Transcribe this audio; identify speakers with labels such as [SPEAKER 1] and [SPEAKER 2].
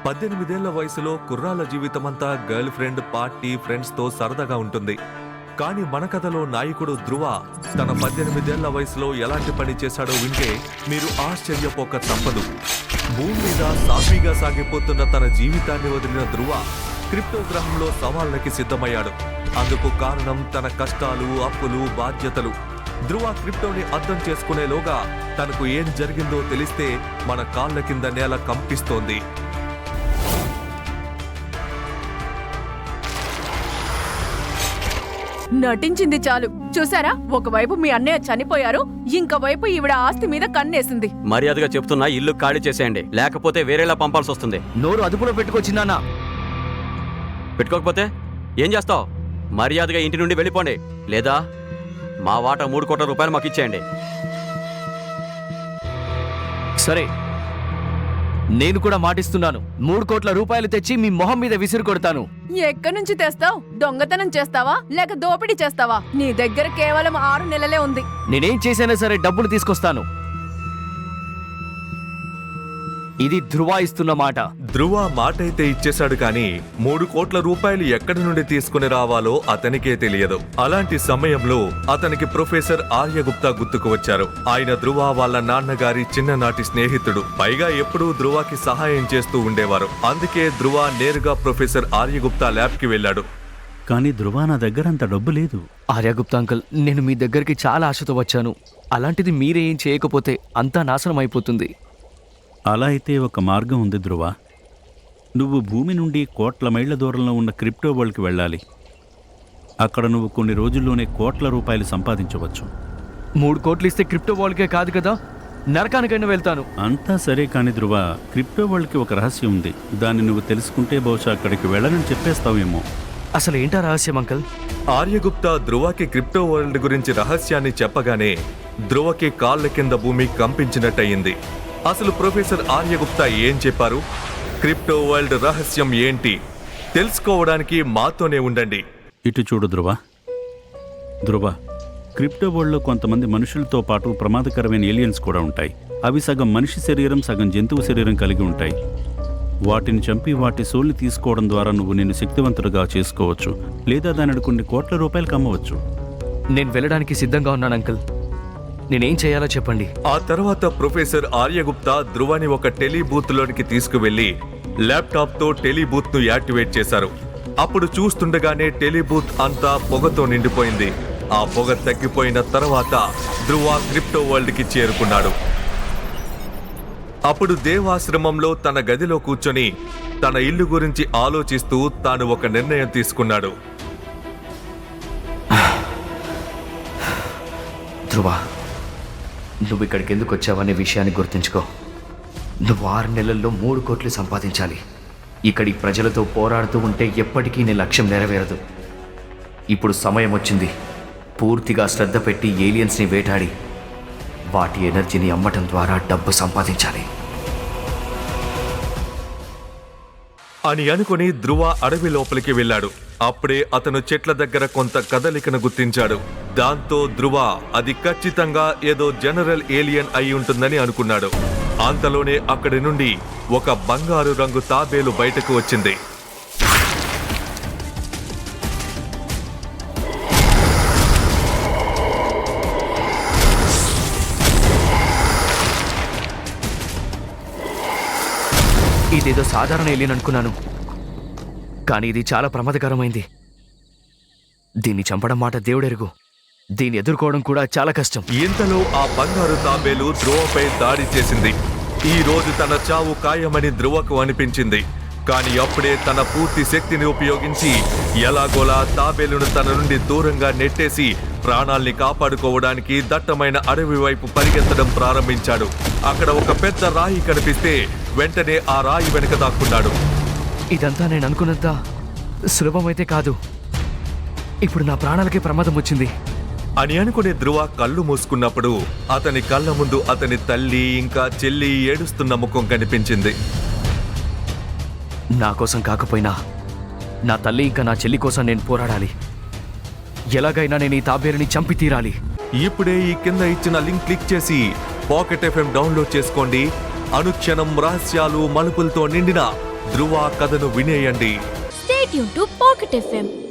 [SPEAKER 1] 18 ఏళ్ల వయసులో కుర్రాల జీవితమంతా గర్ల్ ఫ్రెండ్, పార్టీ, ఫ్రెండ్స్తో సరదాగా ఉంటుంది. కానీ మన కథలో నాయకుడు ధ్రువ తన 18 ఏళ్ల వయసులో ఎలాంటి పని చేశాడో వింటే మీరు ఆశ్చర్యపోక తప్పదు. భూమి మీద సాఫీగా సాగిపోతున్న తన జీవితాన్ని వదిలిన ధ్రువ క్రిప్టోగ్రహంలో సవాళ్ళకి సిద్ధమయ్యాడు. అందుకు కారణం తన కష్టాలు, అప్పులు, బాధ్యతలు. ధ్రువ క్రిప్టోని అర్థం చేసుకునేలోగా తనకు ఏం జరిగిందో తెలిస్తే మన కాళ్ళ కింద నేల కంపిస్తోంది.
[SPEAKER 2] నటించింది చాలు. చూసారా, ఒకవైపు మీ అన్నయ్య చనిపోయారు, ఇంకోవైపు ఈవిడ ఆస్తి మీద కన్నేసింది.
[SPEAKER 3] మర్యాదగా చెప్తున్నా, ఇల్లు ఖాళీ చేసేయండి, లేకపోతే వేరేలా పంపాల్సి వస్తుంది.
[SPEAKER 4] నోరు అదుపులో పెట్టుకొచ్చిందన్నా.
[SPEAKER 3] పెట్టుకోకపోతే ఏం చేస్తావు? మర్యాదగా ఇంటి నుండి వెళ్ళిపోండి, లేదా మా వాటా 3 కోట్ల రూపాయలు మాకు ఇచ్చేయండి.
[SPEAKER 4] సరే, నేను కూడా మాటిస్తున్నాను. 3 కోట్ల రూపాయలు తెచ్చి మీ మొహం మీద విసిరు కొడతాను.
[SPEAKER 2] ఎక్కడి నుంచి తెస్తావు? దొంగతనం చేస్తావా లేక దోపిడీ చేస్తావా? నీ దగ్గర కేవలం 6 నెలలే ఉంది.
[SPEAKER 4] నేనేం చేసైనా సరే డబ్బులు తీసుకొస్తాను. ఇది ధ్రువ ఇస్తున్న మాట.
[SPEAKER 1] ధ్రువ మాటైతే ఇచ్చేశాడు, కానీ 3 కోట్ల రూపాయలు ఎక్కడి నుండి తీసుకుని రావాలో అతనికే తెలియదు. అలాంటి సమయంలో అతనికి ప్రొఫెసర్ ఆర్యగుప్తా గుర్తుకు వచ్చారు. ఆయన ధ్రువ వాళ్ళ నాన్నగారి చిన్ననాటి స్నేహితుడు. పైగా ఎప్పుడూ ధ్రువకి సహాయం చేస్తూ ఉండేవారు. అందుకే ధ్రువ నేరుగా ప్రొఫెసర్ ఆర్యగుప్తా ల్యాబ్ కి వెళ్ళాడు.
[SPEAKER 5] కానీ ధ్రువ, నా దగ్గర అంత డబ్బు లేదు.
[SPEAKER 4] ఆర్యగుప్తా అంకుల్, నేను మీ దగ్గరికి చాలా ఆశతో వచ్చాను. అలాంటిది మీరే ఏం చేయకపోతే అంతా నాశనం అయిపోతుంది.
[SPEAKER 5] అలా అయితే ఒక మార్గం ఉంది ధ్రువ. నువ్వు భూమి నుండి కోట్ల మైళ్ల దూరంలో ఉన్న క్రిప్టో వరల్డ్కి వెళ్ళాలి. అక్కడ నువ్వు కొన్ని రోజుల్లోనే కోట్ల రూపాయలు సంపాదించవచ్చు.
[SPEAKER 4] 3 కోట్లు ఇస్తే క్రిప్టో వరల్డ్కే కాదు కదా, నరకానికైనా వెళ్తాను.
[SPEAKER 5] అంతా సరే, కానీ ధ్రువ, క్రిప్టో వరల్డ్కి ఒక రహస్యం ఉంది. దాన్ని నువ్వు తెలుసుకుంటే బహుశా అక్కడికి వెళ్ళనని చెప్పేస్తావేమో.
[SPEAKER 4] అసలు ఏంటా రహస్యం అంకుల్?
[SPEAKER 1] ఆర్యగుప్తా ధ్రువకి క్రిప్టో వరల్డ్ గురించి రహస్యాన్ని చెప్పగానే ధ్రువకి కాళ్ళ కింద భూమి కంపించినట్టయింది. అసలు ప్రొఫెసర్ ఆర్యగుప్తా ఏం చెప్పారు? క్రిప్టో వరల్డ్ రహస్యం ఏంటి? తెలుసుకోవడానికి మాతోనే ఉండండి.
[SPEAKER 5] ఇటు చూడు ధ్రువ. ధ్రువ, క్రిప్టో వరల్డ్లో కొంతమంది మనుషులతో పాటు ప్రమాదకరమైన ఏలియన్స్ కూడా ఉంటాయి. అవి సగం మనిషి శరీరం, సగం జంతువు శరీరం కలిగి ఉంటాయి. వాటిని చంపి వాటి సోల్ని తీసుకోవడం ద్వారా నువ్వు నిన్ను శక్తివంతుడుగా చేసుకోవచ్చు, లేదా దానిని కొన్ని కోట్ల రూపాయలకు అమ్మవచ్చు.
[SPEAKER 4] నేను వెళ్ళడానికి సిద్ధంగా ఉన్నాను అంకుల్. నేనేం చేయాలో చెప్పండి.
[SPEAKER 1] ఆ తర్వాత ప్రొఫెసర్ ఆర్యగుప్తా ధ్రువని ఒక టెలిబూత్ లోనికి తీసుకువెళ్లి ల్యాప్టాప్ తో టెలిబూత్ ను యాక్టివేట్ చేశారు. అప్పుడు చూస్తుండగానే టెలిబూత్ అంతా పొగతో నిండిపోయింది. ఆ పొగ తగ్గిపోయిన తర్వాత ధ్రువ క్రిప్టో వరల్డ్ కి చేరుకున్నాడు. అప్పుడు దేవాశ్రమంలో తన గదిలో కూర్చొని తన ఇల్లు గురించి ఆలోచిస్తూ తాను ఒక నిర్ణయం తీసుకున్నాడు.
[SPEAKER 4] ధ్రువ, నువ్వు ఇక్కడికి ఎందుకు వచ్చావనే విషయాన్ని గుర్తుంచుకో. నువ్వు 6 నెలల్లో 3 కోట్లు సంపాదించాలి. ఇక్కడి ప్రజలతో పోరాడుతూ ఉంటే ఎప్పటికీ నీ లక్ష్యం నెరవేరదు. ఇప్పుడు సమయం వచ్చింది. పూర్తిగా శ్రద్ధ పెట్టి ఏలియన్స్ని వేటాడి వాటి ఎనర్జీని అమ్మటం ద్వారా డబ్బు సంపాదించాలి
[SPEAKER 1] అని అనుకుని ధ్రువ అడవి లోపలికి వెళ్ళాడు. అప్పుడే అతను చెట్ల దగ్గర కొంత కదలికను గుర్తించాడు. దాంతో ధ్రువ అది ఖచ్చితంగా ఏదో జనరల్ ఏలియన్ అయి ఉంటుందని అనుకున్నాడు. అంతలోనే అక్కడి నుండి ఒక బంగారు రంగు తాబేలు బయటకు వచ్చింది.
[SPEAKER 4] ఇదేదో సాధారణ ఏలియన్ అనుకున్నాను, కానీ ఇది చాలా ప్రమాదకరమైంది. దీన్ని చంపడం మాట దేవుడెరుగు. దీన్ని ఎదుర్కోవడం కూడా చాలా కష్టం.
[SPEAKER 1] ఇంతలో ఆ బంగారు తాబేలు ధ్రువపై దాడి చేసింది. ఈ రోజు తన చావు ఖాయమని ధ్రువకు అనిపించింది. కానీ అప్పుడే తన పూర్తి శక్తిని ఉపయోగించి ఎలాగోలా తాబేలును తన నుండి దూరంగా నెట్టేసి ప్రాణాల్ని కాపాడుకోవడానికి దట్టమైన అడవి వైపు పరిగెత్తడం ప్రారంభించాడు. అక్కడ ఒక పెద్ద రాయి కనిపిస్తే వెంటనే ఆ రాయి వెనుక దాక్కున్నాడు.
[SPEAKER 4] ఇదంతా నేను అనుకున్నంత సులభమైతే కాదు. ఇప్పుడు నా ప్రాణాలకే ప్రమాదం వచ్చింది
[SPEAKER 1] అని అనుకునే ధ్రువ కళ్ళు మూసుకున్నప్పుడు అతని కళ్ళ ముందు అతని తల్లి ఇంకా చెల్లి ఏడుస్తున్న ముఖం కనిపించింది.
[SPEAKER 4] నా కోసం కాకపోయినా నా తల్లి ఇంకా నా చెల్లి కోసం నేను పోరాడాలి. ఎలాగైనా నేను ఈ తాబేలుని చంపి తీరాలి.
[SPEAKER 1] ఇప్పుడే ఈ కింద ఇచ్చిన లింక్ క్లిక్ చేసి పాకెట్ FM డౌన్లోడ్ చేసుకోండి. అనుక్షణం రహస్యాలు, మలుపులతో నిండిన ధ్రువ కథను వినేయండి.
[SPEAKER 6] Stay tuned to Pocket FM.